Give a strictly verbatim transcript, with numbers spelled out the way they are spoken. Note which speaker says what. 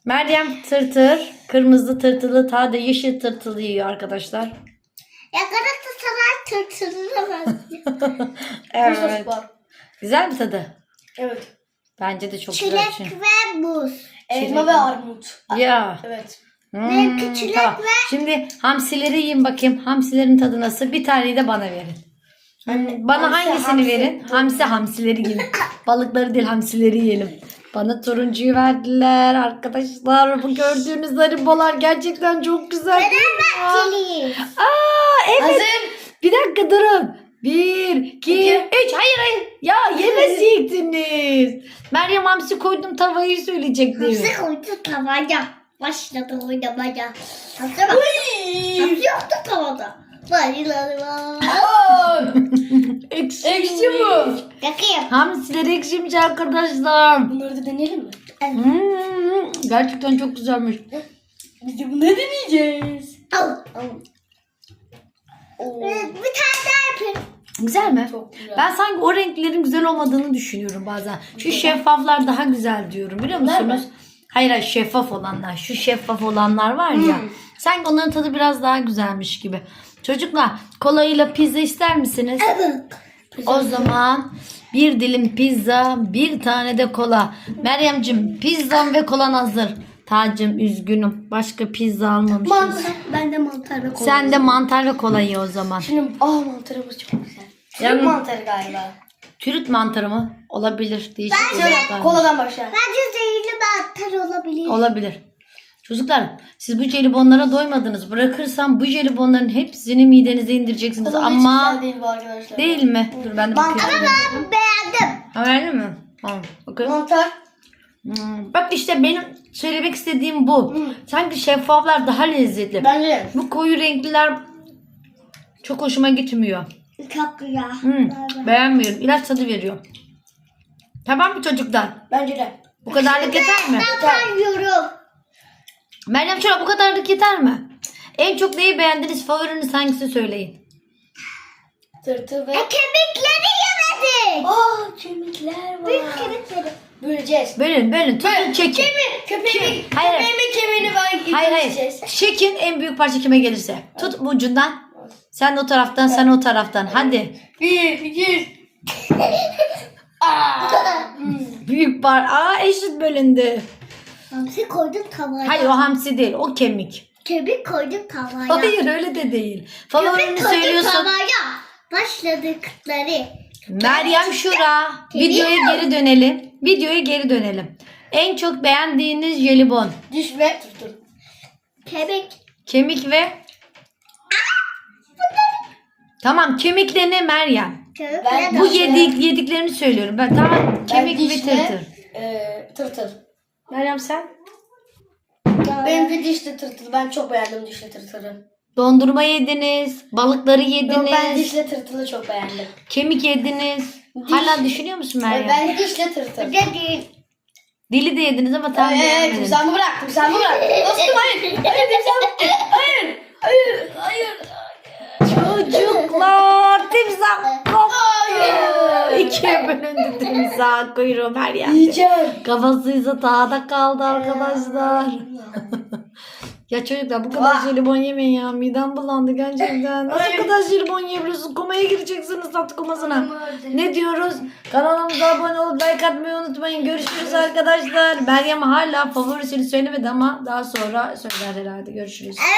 Speaker 1: Meryem tırtır. Kırmızı tırtılı, ta da yeşil tırtılı yiyor arkadaşlar.
Speaker 2: Ya Galatasaray tırtılına benziyor.
Speaker 1: Evet. Güzel mi tadı?
Speaker 3: Evet.
Speaker 1: Bence de çok
Speaker 2: Çilek
Speaker 1: güzel. bir şey.
Speaker 2: ve buz.
Speaker 3: Elma ve armut.
Speaker 1: Ya.
Speaker 3: Evet.
Speaker 1: Hmm,
Speaker 2: Benimki çilek
Speaker 1: tamam.
Speaker 2: ve-
Speaker 1: Şimdi hamsileri yiyin bakayım. Hamsilerin tadı nasıl? Bir taneyi de bana verin. Hmm, Bana
Speaker 3: hamsi,
Speaker 1: hangisini
Speaker 3: hamsi.
Speaker 1: verin? Hamsi hamsileri yiyin. Balıkları değil hamsileri yiyelim. Bana turuncuyu verdiler arkadaşlar. Bu gördüğünüz haribolar gerçekten çok güzel.
Speaker 2: Fenerbahçeliyiz.
Speaker 1: Aa evet.
Speaker 3: Hazır.
Speaker 1: Bir dakika durun. Bir, iki, üç. Hayır hayır. Ya yemeyecektiniz. Meryem hamsi koydum tavayı söyleyecektim.
Speaker 2: Hamsi koydu tavaya. Başladı oynamaya. Hamsi bak. Hamsi yoktu tavada. Bayılalım.
Speaker 1: Ekşi.
Speaker 3: Ekşi bu.
Speaker 2: Yakayım.
Speaker 1: Hamsiler ekşimiş arkadaşlar.
Speaker 3: Bunları da deneyelim mi?
Speaker 1: Hmm, gerçekten çok güzelmiş.
Speaker 3: Biz de bunları deneyeceğiz.
Speaker 2: Al. Al. Ee, Bir tane daha yapayım.
Speaker 1: Güzel mi?
Speaker 3: Çok güzel.
Speaker 1: Ben sanki o renklerin güzel olmadığını düşünüyorum bazen. Şu şeffaflar daha güzel diyorum biliyor
Speaker 3: Bunlar
Speaker 1: musunuz?
Speaker 3: mı?
Speaker 1: Hayır hayır şeffaf olanlar. Şu şeffaf olanlar var ya.
Speaker 3: Hmm.
Speaker 1: Sanki onların tadı biraz daha güzelmiş gibi. Çocuklar kolayla pizza ister misiniz?
Speaker 2: Evet.
Speaker 1: O zaman bir dilim pizza, bir tane de kola. Meryem'cim pizzam ve kolan hazır. Tacım üzgünüm. Başka pizza almamışız.
Speaker 2: Mantar. Ben de mantar ve kola.
Speaker 1: Sen de mantar ve kola ye o zaman.
Speaker 3: Şimdi aa mantarımız çok güzel.
Speaker 1: Yani-
Speaker 3: Türk mantarı galiba.
Speaker 1: Türüt mantarı mı? Olabilir. Değişik
Speaker 3: Söyle
Speaker 1: olacaklar.
Speaker 3: koladan başla.
Speaker 2: Bence zehirli mantar olabilir.
Speaker 1: Olabilir. Çocuklar siz bu jelibonlara doymadınız. Bırakırsam bu jelibonların hepsini midenize indireceksiniz.
Speaker 3: Kola hiç
Speaker 1: Ama
Speaker 3: güzel değil bu arkadaşlar.
Speaker 1: değil mi? Dur ben de
Speaker 3: Mantar-
Speaker 1: bakıyorum.
Speaker 2: Ben beğendim.
Speaker 1: Ha verdin mi? Tamam. Bakın.
Speaker 3: Mantar.
Speaker 1: Hmm, Bak işte benim söylemek istediğim bu.
Speaker 3: Hmm.
Speaker 1: Sanki şeffaflar daha lezzetli.
Speaker 3: Bence de.
Speaker 1: Bu koyu renkliler çok hoşuma gitmiyor.
Speaker 2: Çok güzel.
Speaker 1: Hmm,
Speaker 2: Bay bay.
Speaker 1: beğenmiyorum. İlaç tadı veriyor. Tamam mı çocuklar?
Speaker 3: Bence de.
Speaker 1: Bu kadarlık yeter mi?
Speaker 2: Ben yiyorum.
Speaker 1: Meryem Çorap bu kadarlık yeter mi? En çok neyi beğendiniz? Favoriniz hangisi söyleyin.
Speaker 3: Tırtıl ve...
Speaker 2: E kemikleri yemedik.
Speaker 3: Aa kemikler var.
Speaker 2: Büyük kemikleri.
Speaker 3: Böleceğiz.
Speaker 1: Bölün bölün. Tutun çekin.
Speaker 3: Köpeğimin,
Speaker 1: Hayır.
Speaker 3: köpeğimin kemiğini ben
Speaker 1: Hayır hayır.
Speaker 3: yiyeceğiz.
Speaker 1: Çekin en büyük parça kime gelirse. Tut bu ucundan. Sen o taraftan sen o taraftan. Hadi.
Speaker 3: Bir, iki.
Speaker 1: Büyük par. Aa eşit bölündü.
Speaker 2: Hamsi koydum tavaya.
Speaker 1: Hayır o hamsi değil. O kemik.
Speaker 2: Kemik koydum tavaya.
Speaker 1: Hayır öyle de değil.
Speaker 2: Kemik
Speaker 1: Favorini
Speaker 2: koydum
Speaker 1: söylüyorsun.
Speaker 2: tavaya. Başladıkları.
Speaker 1: Meryem Şura. Videoya geri dönelim. Videoya geri dönelim. En çok beğendiğiniz jelibon.
Speaker 3: Diş ve tırtıl.
Speaker 2: Kemik.
Speaker 1: Kemik ve... Tamam kemikle ne Meryem?
Speaker 2: Kemik
Speaker 3: Ben-
Speaker 2: ve
Speaker 1: Bu
Speaker 3: Diş ve-
Speaker 1: yedik, yediklerini söylüyorum. Ben tamam kemik ve
Speaker 3: diş
Speaker 1: tırtır.
Speaker 3: e, tırtıl.
Speaker 1: Meryem sen?
Speaker 3: Benim de dişli tırtıl. Ben çok beğendim dişli tırtılı.
Speaker 1: Dondurma yediniz, balıkları yediniz,
Speaker 3: Yok, ben dişli tırtılı çok beğendim.
Speaker 1: kemik yediniz. Hala düşünüyor musun Meryem?
Speaker 3: Ben dişli tırtıl.
Speaker 2: Bir de değil.
Speaker 1: Dili de yediniz ama tam
Speaker 3: Evet,
Speaker 1: beğenmediniz.
Speaker 3: timsahımı bırak, timsahımı bırak. Dostum hayır. Hayır, timsahımı. Hayır, hayır, hayır.
Speaker 1: Çocuklar timsah koptu.
Speaker 3: Hayır.
Speaker 1: İkiye bölündü timsah kuyruğu Meryem.
Speaker 3: Yiyeceğim.
Speaker 1: Kafasıysa dağda kaldı arkadaşlar. Ya çocuklar bu kadar jelibon yemeyin ya. Midem bulandı gerçekten. Nasıl kadar jelibon yiyebiliyorsunuz? Komaya gireceksiniz tatlı komasına. Ne diyoruz? Kanalımıza abone olup like atmayı unutmayın. Görüşürüz arkadaşlar. Meryem hala favorisini söylemedi ama daha sonra söyler herhalde. Görüşürüz.